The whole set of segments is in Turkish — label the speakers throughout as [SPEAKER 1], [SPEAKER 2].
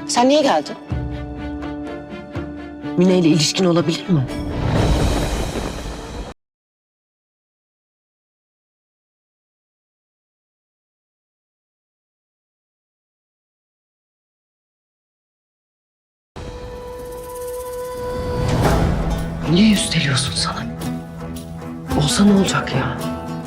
[SPEAKER 1] Sen niye geldin? Mine ile ilişkin olabilir mi? Niye üsteliyorsun sana? Olsa ne olacak ya?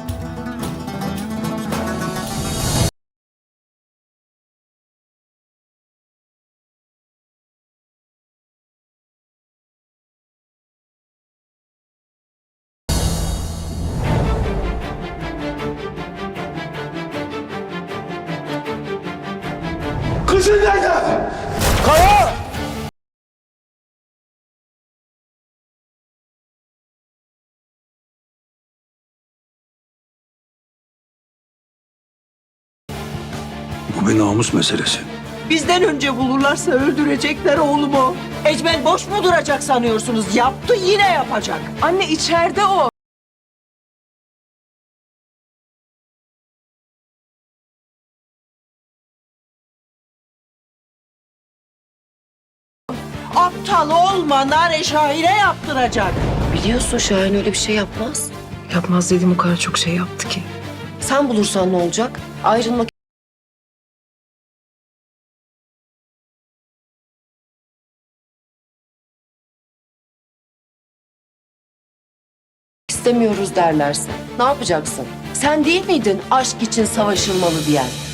[SPEAKER 2] Kızın nerede? Kaya! Bu bir namus meselesi.
[SPEAKER 3] Bizden önce bulurlarsa öldürecekler oğlumu. Ecmel boş mu duracak sanıyorsunuz? Yaptı, yine yapacak.
[SPEAKER 4] Anne içeride o.
[SPEAKER 3] Aptal olma, Nare Şahin'e yaptıracak.
[SPEAKER 1] Biliyorsun Şahin öyle bir şey yapmaz.
[SPEAKER 4] Yapmaz dedim, o kadar çok şey yaptı ki.
[SPEAKER 1] Sen bulursan ne olacak? Ayrılmak istemiyoruz derlerse ne yapacaksın? Sen değil miydin aşk için savaşılmalı diyen?